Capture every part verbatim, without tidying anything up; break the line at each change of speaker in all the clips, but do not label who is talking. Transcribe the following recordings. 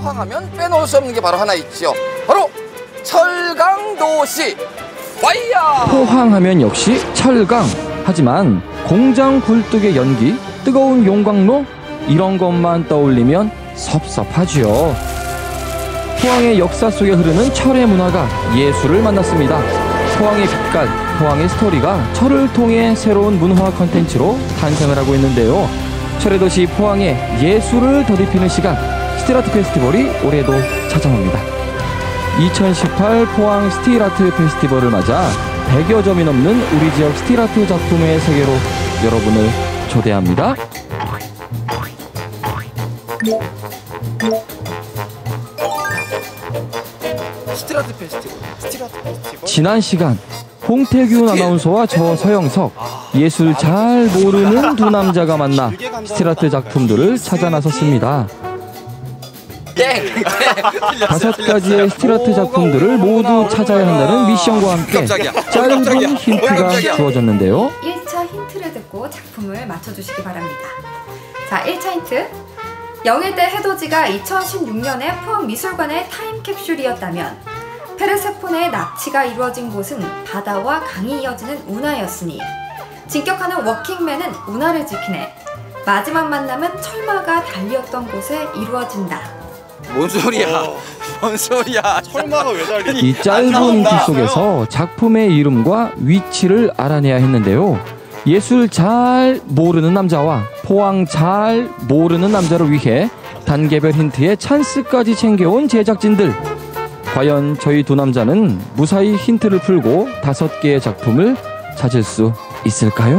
포항하면 빼놓을 수 없는 게 바로 하나 있죠. 바로 철강도시 와이야.
포항하면 역시 철강. 하지만 공장 굴뚝의 연기, 뜨거운 용광로 이런 것만 떠올리면 섭섭하지요. 포항의 역사 속에 흐르는 철의 문화가 예술을 만났습니다. 포항의 빛깔, 포항의 스토리가 철을 통해 새로운 문화 컨텐츠로 탄생을 하고 있는데요. 철의 도시 포항의 예술을 더딥히는 시간, 스틸아트 페스티벌이 올해도 찾아옵니다. 이천십팔 포항 스틸아트 페스티벌을 맞아 백여 점이 넘는 우리 지역 스틸아트 작품의 세계로 여러분을 초대합니다.
스틸아트 페스티벌. 스틸아트 페스티벌.
지난 시간 홍태균 아나운서와 저 서영석, 예술 잘 모르는 두 남자가 만나 스틸아트 작품들을 찾아 나섰습니다.
땡!
다섯 가지의 스틸아트 작품들을 모두 찾아야 한다는 미션과 함께 짧은 힌트가 주어졌는데요.
일 차 힌트를 듣고 작품을 맞춰주시기 바랍니다. 자, 일 차 힌트. 영일대 해돋이가 이천십육 년에 포항미술관의 타임캡슐이었다면 페르세폰의 납치가 이루어진 곳은 바다와 강이 이어지는 운하였으니 진격하는 워킹맨은 운하를 지키네. 마지막 만남은 철마가 달리었던 곳에 이루어진다.
뭔 소리야? 뭔 소리야?
철마가 왜 달리?
이 짧은 힌트 속에서 작품의 이름과 위치를 알아내야 했는데요. 예술 잘 모르는 남자와 포항 잘 모르는 남자를 위해 단계별 힌트에 찬스까지 챙겨온 제작진들. 과연 저희 두 남자는 무사히 힌트를 풀고 다섯 개의 작품을 찾을 수 있을까요?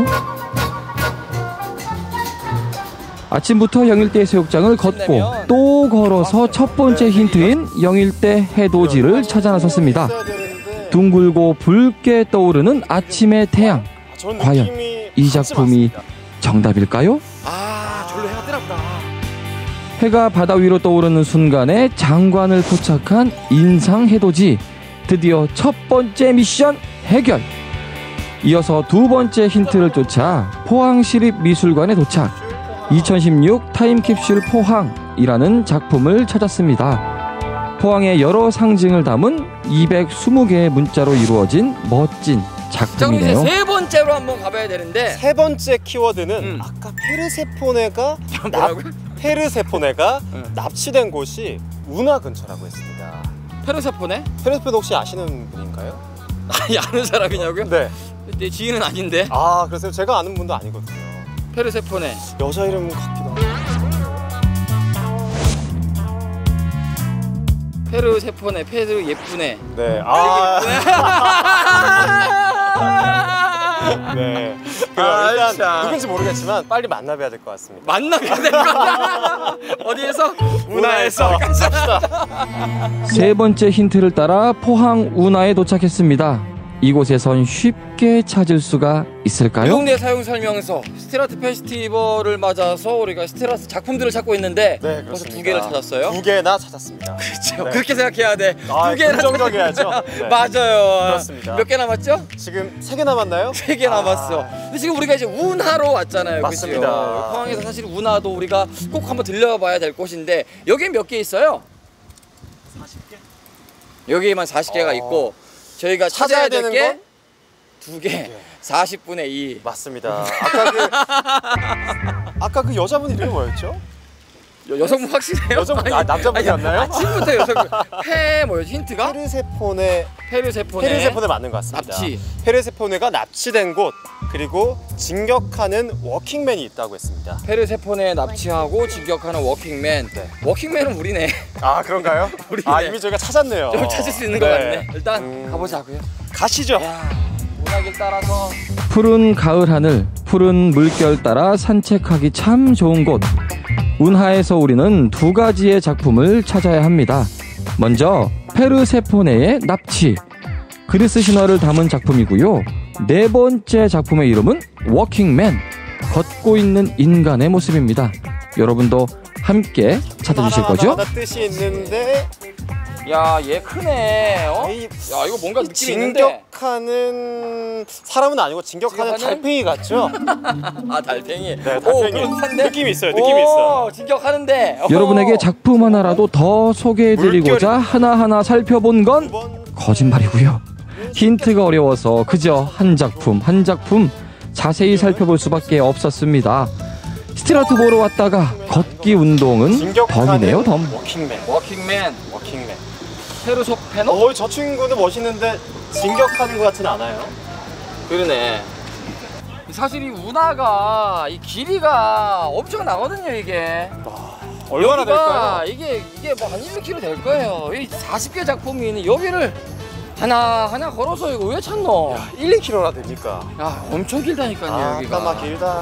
아침부터 영일대 해수욕장을 걷고 또 걸어서 첫 번째 힌트인 영일대 해돋이를 찾아 나섰습니다. 둥글고 붉게 떠오르는 아침의 태양. 과연 이 작품이 정답일까요?
아, 절로 해가 뜨나 보다.
해가 바다 위로 떠오르는 순간에 장관을 포착한 인상 해돋이. 드디어 첫 번째 미션 해결. 이어서 두 번째 힌트를 쫓아 포항시립미술관에 도착. 이천십육 타임캡슐 포항이라는 작품을 찾았습니다. 포항의 여러 상징을 담은 이백이십 개의 문자로 이루어진 멋진 작품이네요.
자, 이제 세 번째로 한번 가봐야 되는데
세 번째 키워드는
음.
아까 페르세포네가 납,
뭐라고요?
페르세포네가
음.
납치된 곳이 운하 근처라고 했습니다.
페르세포네?
페르세포네 혹시 아시는 분인가요?
아니, 아는 사람이냐고요?
네.
내 지인은 아닌데.
아, 그래서 제가 아는 분도 아니거든요.
페르세포네.
여자 이름 같기도 하고.
페르세포네, 페르 예쁘네.
네. 아. 네. 그
아,
일단
참.
누군지 모르겠지만 빨리 만나봐야 될 것 같습니다.
만나게 될 거야. 어디에서?
운하에서. 갑시다.
세 번째 힌트를 따라 포항 운하에 도착했습니다. 이곳에선 쉽게 찾을 수가 있을까요?
이동네 사용 설명서 스틸아트 페스티벌을 맞아서 우리가 스틸아트 작품들을 찾고 있는데
네,
그래서
그렇습니다.
두 개를 찾았어요.
두 개나 찾았습니다.
그렇죠.
네.
그렇게 생각해야 돼.
아,
두 개나
긍정적이야죠. 네.
맞아요.
그렇습니다.
몇 개 남았죠?
지금 세 개 남았나요?
세 개 남았어.
아.
근데 지금 우리가 이제 운하로 왔잖아요.
맞습니다.
그죠? 포항에서 사실 운하도 우리가 꼭 한번 들려봐야 될 곳인데 여기에 몇 개 있어요?
사십 개?
여기에만 사십 개가
어.
있고 저희가
찾아야
찾아야 될
되는
게
건?
두 개. 사십분의 이.
맞습니다. 아까 그 아까 그 여자분 이름이 뭐였죠?
여, 여성분 확실해요?
여성분, 아, 남자분이었나요?
아니, 아침부터 여성분. 페 뭐였지 힌트가?
페르세포네.
페르세포네.
페르세포네 맞는 것 같습니다.
납치.
페르세포네가 납치된 곳 그리고 진격하는 워킹맨이 있다고 했습니다.
페르세포네 납치하고 진격하는 워킹맨.
네.
워킹맨은 우리네.
아, 그런가요?
우리네.
아, 이미 저희가 찾았네요.
좀 찾을 수 있는 것 같네. 일단
음.
가보자고요.
가시죠.
야, 문학을 따라서.
푸른 가을 하늘, 푸른 물결 따라 산책하기 참 좋은 곳. 운하에서 우리는 두 가지의 작품을 찾아야 합니다. 먼저 페르세포네의 납치, 그리스 신화를 담은 작품이고요. 네 번째 작품의 이름은 워킹맨, 걷고 있는 인간의 모습입니다. 여러분도 함께 찾아주실 거죠?
하나 뜻이 있는데
야, 얘 크네. 어?
이-
야, 이거 뭔가 느낌이 있는데.
진격하는 사람은 아니고 진격하는
진격하는?
달팽이 같죠?
아, 달팽이.
네,
오,
달팽이.
그렇던데?
느낌이 있어요. 느낌이
오,
있어.
진격하는데.
여러분에게 작품 하나라도 더 소개해드리고자 하나하나 살펴본 건
두번
거짓말이고요. 힌트가 어려워서 그저 한 작품 한 작품 자세히 살펴볼 수밖에 없었습니다. 스트라트 보러 왔다가 걷기 운동은 덤이네요, 덤.
워킹맨.
워킹맨.
워킹맨.
페르소 페노?
어, 저 친구는 멋있는데 진격하는 것 같지는 않아요.
그러네. 사실 이 운하가 이 길이가 엄청 나거든요, 이게.
얼마나
여기가
될까요?
이게 이게 뭐 한 일, 이 킬로미터 될 거예요. 이 사십 개 작품이 있는 여기를 하나 하나 걸어서 이거 왜 찾노? 야,
일, 이 킬로미터나 됩니까?
엄청 길다니까요,
아,
여기가.
까마 길다.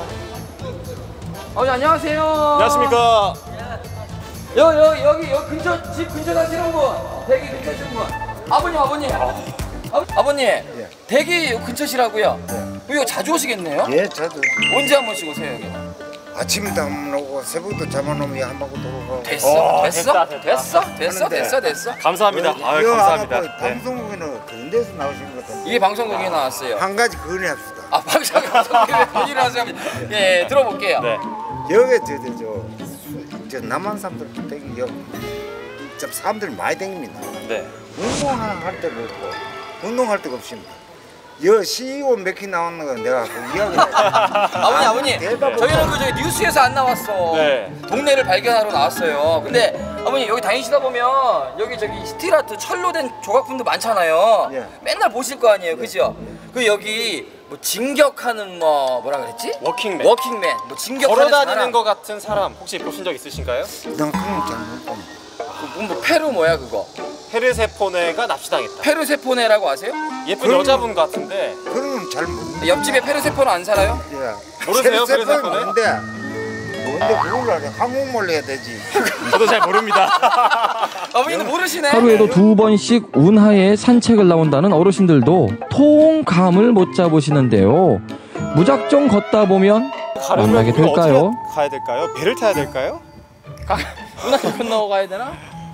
어, 네, 안녕하세요.
안녕하십니까?
여, 여, 여기 여기 근처 집 근처 사시는 분, 대기 근처 사시는 분. 아버님, 아버님. 아, 아버님, 대기 근처시라고요? 이거 자주 오시겠네요?
예, 저도
언제 한 번씩 오세요, 여기?
아침도 안 오고 새벽도 잠 안 오면 한 바퀴 돌고.
됐어?
어,
됐어?
됐다, 됐다.
됐어? 됐어?
하는데.
됐어? 됐어?
감사합니다. 아유,
이거
감사합니다.
아마 그
네.
방송국에는 그런 데서 나오신 것 같은데.
이게 방송국에 나왔어요.
한 가지 건의합시다.
아, 방송 방송국에 본인 하세요. 예, 들어볼게요.
네.
여기 저저 저, 수- 저 남한 사람들 되게 여기 좀 사람들 많이 다닙니다.
네.
운동하는 할 때가 없고 운동할 데가 없습니다. 여 씨이오 몇 개 나오는 거 내가 그 이야기.
아버님, 아버님,
대답을
저희는 그 저기 뉴스에서 안 나왔어.
네.
동네를 발견하러 나왔어요. 근데 아버님 여기 다니시다 보면 여기 저기 스틸아트 철로 된 조각품도 많잖아요.
예.
맨날 보실 거 아니에요, 그죠? 그 여기 뭐 진격하는 뭐 뭐라 그랬지?
워킹맨.
워킹맨, 뭐 진격하는
걸어다니는
사람.
것 같은 사람 혹시 보신 적 있으신가요?
난 그런 잘못 봅니다.
그 뭐 페루 뭐야 그거?
페르세포네가 납치당했다.
페르세포네라고 아세요?
예쁜
그럼-
여자분 같은데
그런 건 잘못.
옆집에 페르세포네 안 살아요?
예.
모르세요,
세포는
페르세포네?
뭔데? 뭔데 그걸 알아? 한국말로 해야 되지.
저도 잘 모릅니다.
어머니도 모르시네.
하루에도 두 번씩 운하에 산책을 나온다는 어르신들도 통감을 못 잡으시는데요. 무작정 걷다 보면 만나게
우리가
될까요?
어떻게 가야 될까요? 배를 타야 될까요?
문학교 건너고 가야 되나?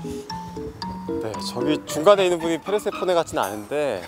네, 저기 중간에 있는 분이 페르세포네 같지는 않은데.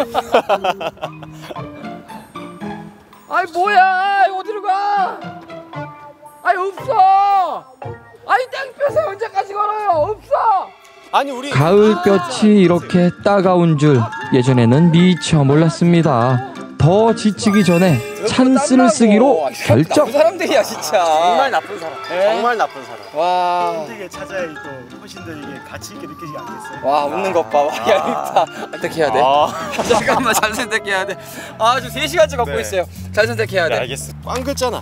아이 뭐야? 어디로 가? 아이 없어. 아이 땡볕에 언제까지 걸어요? 없어.
아니 우리
가을볕이 이렇게 따가운 줄 예전에는 미처 몰랐습니다. 더 지치기 전에 찬스를 쓰기로 결정.
그 사람들이야 진짜.
정말 나쁜 사람.
네.
정말 나쁜 사람.
와.
힘들게 찾아야 또 훨씬 더 이게 가치 있게 느끼지 않겠어요?
와 웃는 것 봐. 와, 야 이거 어떻게 해야 돼?
아,
잠깐만 잘 선택해야 돼. 아 지금 세 시간째 걷고
네.
있어요. 잘 선택해야
네,
돼.
알겠어. 꽝 글자나.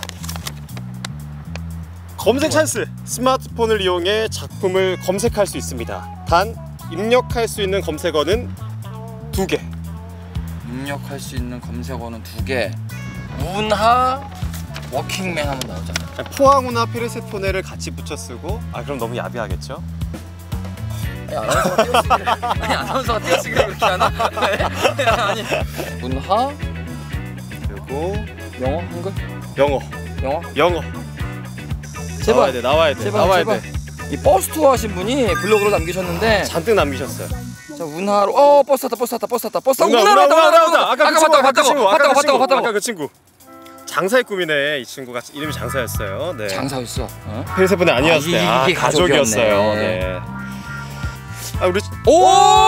검색 찬스. 스마트폰을 이용해 작품을 검색할 수 있습니다. 단 입력할 수 있는 검색어는 두 개.
입력할 수 있는 검색어는 두 개. 문하 워킹맨 하면 나오잖아.
포항우나 페르세포네를 같이 붙여 쓰고. 아 그럼 너무 야비하겠죠?
아니 아나운서가 띄어쓰기를 아니 아나운서가 띄어쓰기를 그렇게 하나? 아니 문하
그리고
영어 한글
영어.
영어
영어.
제발.
나와야 돼. 나와야 돼.
제발
나와야
제발.
돼.
이 버스 투어 하신 분이 블로그로 남기셨는데
잔뜩 남기셨어요.
자 운하로 어 버스 탔다 버스 탔다 버스 탔다 버스
운하,
운하로
운하,
왔다
운하,
운하로
운하.
왔다
아까 그
아까
친구,
봤다고
아까 그 친구,
봤다고
아까 그
봤다고
친구,
봤다고
아까 그 친구. 장사의 꿈이네. 이 친구가 이름이 장사였어요. 네.
장사였어. 어?
페르세포네 아니었어요.
아,
아,
이게
가족이었어요.
가족이었네.
네. 아 우리
오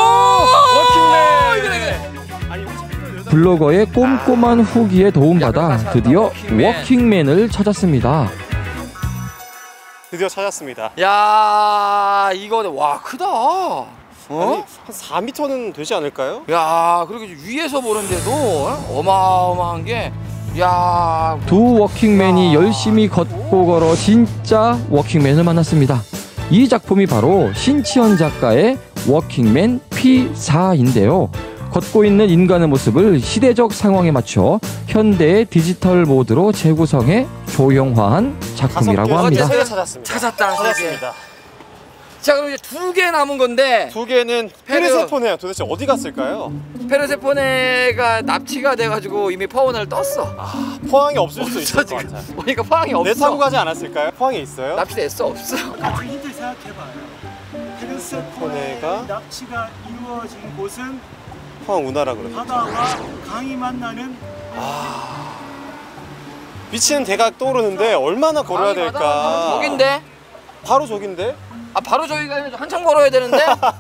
워킹맨. 아니
블로거의 꼼꼼한 후기에 도움받아 드디어 워킹맨을 찾았습니다.
드디어 찾았습니다.
야 이거 와 크다. 어?
아니 한 사 미터는 되지 않을까요?
야 그리고 위에서 보는데도 어? 어마어마한 게 야.
두 워킹맨이 열심히 걷고 걸어 진짜 워킹맨을 만났습니다. 이 작품이 바로 신치현 작가의 워킹맨 피 사인데요. 걷고 있는 인간의 모습을 시대적 상황에 맞춰 현대의 디지털 모드로 재구성해 조형화한 작품이라고 합니다.
세개 찾았습니다.
찾았다.
찾았습니다.
자 그럼 이제 두 개 남은 건데
두 개는
페르-
페르세포네야. 도대체 어디 갔을까요?
페르세포네가 납치가 돼가지고 이미 포항을 떴어.
아, 포항에 없을 수도 있을 것
지금
같아요.
보니까 포항이
내 타고
없어.
가지 않았을까요? 포항에 있어요?
납치됐어 없어.
같은 힌트 생각해봐요. 페르세포네의
포네가
납치가 이루어진 곳은
포항 운하라 그러죠.
바다와 강이 만나는
미치는 대가 떠오르는데 얼마나 걸어야 될까?
여긴데?
바로 저긴데?
아 바로 저기가 아니라 한참 걸어야 되는데?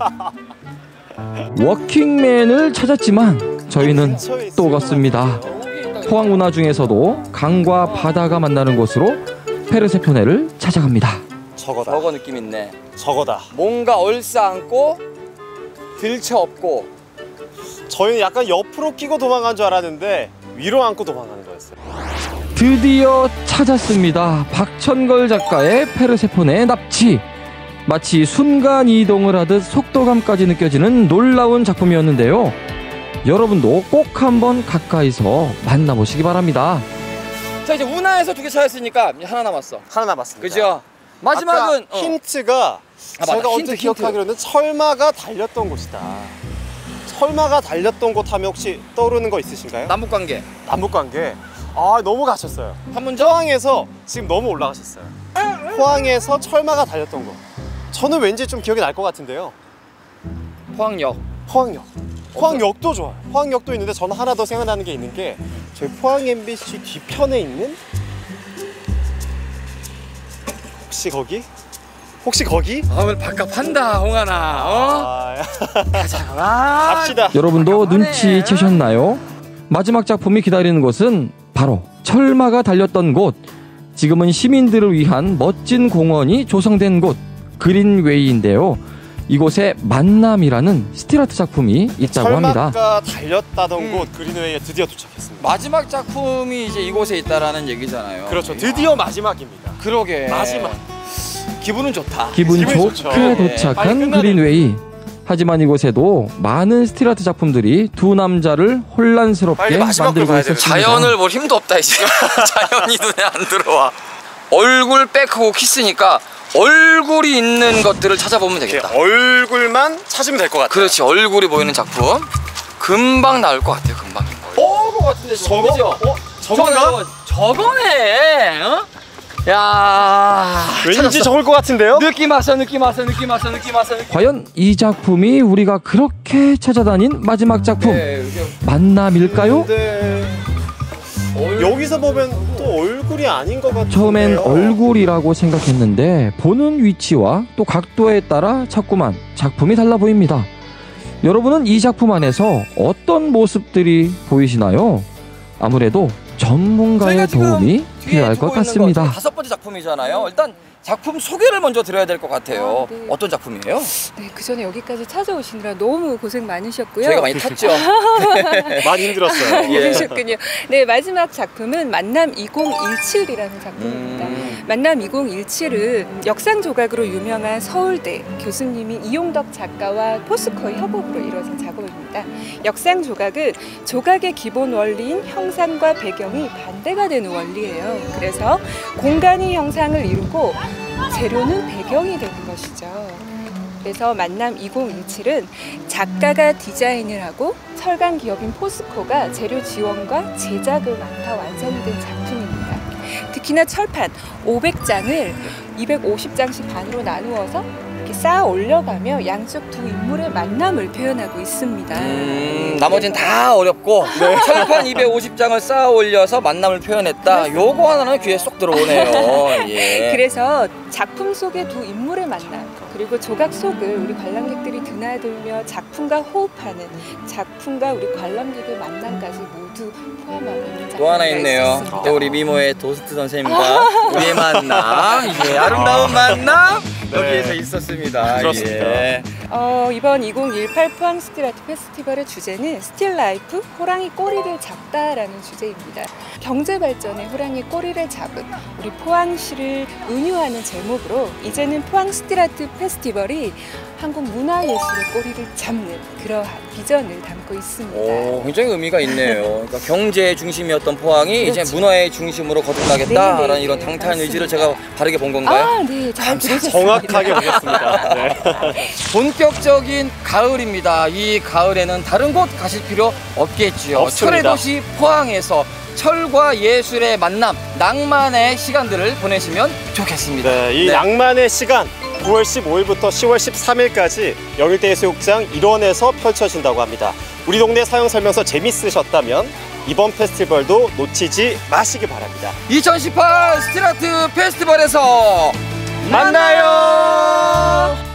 워킹맨을 찾았지만 저희는 또 갔습니다. 포항 운하 중에서도 강과 바다가 만나는 곳으로 페르세포네를 찾아갑니다.
저거다.
저거 느낌 있네.
저거다.
뭔가 얼싸안고 들쳐 업고.
저희는 약간 옆으로 끼고 도망간 줄 알았는데 위로 안고 도망가는 거였어요.
드디어 찾았습니다. 박천걸 작가의 페르세포네 납치. 마치 순간 이동을 하듯 속도감까지 느껴지는 놀라운 작품이었는데요. 여러분도 꼭 한번 가까이서 만나보시기 바랍니다.
자 이제 운하에서 두 개 찾았으니까 하나 남았어.
하나 남았습니다.
그죠? 마지막은
아까 힌트가
아,
제가
맞다.
언뜻
힌트,
기억하기로는 철마가 달렸던 곳이다. 철마가 달렸던 곳 하면 혹시 떠오르는 거 있으신가요?
남북관계.
남북관계. 아 너무 가셨어요.
판문점?
포항에서 지금 너무 올라가셨어요. 포항에서 철마가 달렸던 곳. 저는 왠지 좀 기억이 날 것 같은데요.
포항역.
포항역. 포항역도 좋아요. 포항역도 있는데 저는 하나 더 생각나는 게 있는 게 저희 포항 엠비씨 뒤편에 있는 혹시 거기? 혹시 거기?
아 오늘 밥값 한다 홍하나. 어?
아,
가자. 아,
갑시다.
여러분도 눈치채셨나요? 마지막 작품이 기다리는 곳은 바로 철마가 달렸던 곳. 지금은 시민들을 위한 멋진 공원이 조성된 곳 그린웨이인데요. 이곳에 만남이라는 스틸아트 작품이 있다고 합니다.
철마가 달렸다던
음.
곳 그린웨이에 드디어 도착했습니다.
마지막 작품이 이제 이곳에 있다라는 얘기잖아요.
그렇죠. 드디어 마지막입니다.
그러게.
마지막.
기분은 좋다.
기분
기분이
좋게
좋죠.
네.
도착한
빨리 끝나네.
그린웨이. 하지만 이곳에도 많은 스틸아트 작품들이 두 남자를 혼란스럽게
빨리 마지막으로
만들고
가야 되는데.
있었습니다.
자연을 볼 힘도 없다 이제. 자연이 눈에 안 들어와. 얼굴 백하고 키스니까 얼굴이 있는 것들을 찾아보면
이렇게
되겠다.
얼굴만 찾으면 될 것 같아요.
그렇지, 얼굴이 보이는 작품 금방 나올 것 같아요. 금방. 어, 것 같은데
저거?
그죠?
어? 저건가?
저거, 저거네. 어? 야.
왠지
찾았어.
저걸 것 같은데요?
느낌 왔어, 느낌 왔어, 느낌 왔어, 느낌 왔어. 느낌.
과연 이 작품이 우리가 그렇게 찾아다닌 마지막 작품
네, 이게
만남일까요?
근데
얼-
여기서 보면 또 얼굴이 아닌 것 같은데요.
처음엔 얼굴이라고 생각했는데 보는 위치와 또 각도에 따라 자꾸만 작품이 달라 보입니다. 여러분은 이 작품 안에서 어떤 모습들이 보이시나요? 아무래도 전문가의
저희가 지금
도움이
뒤에
필요할
두고
것
있는 거
같습니다.
다섯 번째 작품이잖아요. 일단 작품 소개를 먼저 드려야 될 것 같아요.
아, 네.
어떤 작품이에요?
네, 그 전에 여기까지 찾아오시느라 너무 고생 많으셨고요.
저희가 많이 탔죠.
많이 힘들었어요.
예.
그러셨군요. 네, 마지막 작품은 만남 이공일칠이라는 작품입니다.
음.
만남 이공일칠은 역상 조각으로 유명한 서울대 교수님인 이용덕 작가와 포스코의 협업으로 이루어진 작업입니다. 역상 조각은 조각의 기본 원리인 형상과 배경이 반대가 되는 원리예요. 그래서 공간이 형상을 이루고 재료는 배경이 되는 것이죠. 그래서 만남 이공일칠은 작가가 디자인을 하고 철강 기업인 포스코가 재료 지원과 제작을 맡아 완성이 된 작품입니다. 특히나 철판 오백 장을 이백오십 장씩 반으로 나누어서 이렇게 쌓아 올려가며 양쪽 두 인물의 만남을 표현하고 있습니다.
음, 나머지는 다 어렵고 철판 이백오십 장을 쌓아 올려서 만남을 표현했다. 요거 하나는 귀에 쏙 들어오네요. 예.
그래서 작품 속의 두 인물의 만남 그리고 조각 속을 우리 관람객들이 드나들며 작품과 호흡하는 작품과 우리 관람객의 만남까지 모두 포함하고 있는 작품이
또 하나 있네요.
있습니다.
또 우리 미모의 도스트 선생님과 우리의 만남, 예, 아름다운 만남
네.
여기에서 있었습니다.
그렇습니다.
예.
어, 이번 이공일팔 포항 스틸아트 페스티벌의 주제는 스틸 라이프 호랑이 꼬리를 잡다라는 주제입니다. 경제 발전에 호랑이 꼬리를 잡은 우리 포항시를 은유하는 제목으로 이제는 포항 스틸아트 페스티벌이 한국 문화예술의 꼬리를 잡는 그러한 비전을 담고 있습니다.
오, 굉장히 의미가 있네요. 그러니까 경제의 중심이었던 포항이
그렇죠.
이제 문화의 중심으로 거듭나겠다라는
네, 네,
이런
네,
당타한
맞습니다.
의지를 제가 바르게 본 건가요?
아, 네, 잘 들으셨습니다.
정확하게 보겠습니다. 네.
본격적인 가을입니다. 이 가을에는 다른 곳 가실 필요 없겠지요.
없습니다.
철의 도시 포항에서 철과 예술의 만남, 낭만의 시간들을 보내시면 좋겠습니다.
네, 이
네.
낭만의 시간 구월 십오일부터 시월 십삼일까지 영일대 해수욕장 일원에서 펼쳐진다고 합니다. 우리 동네 사용설명서 재밌으셨다면 이번 페스티벌도 놓치지 마시기 바랍니다.
이천십팔 스틸아트 페스티벌에서
만나요.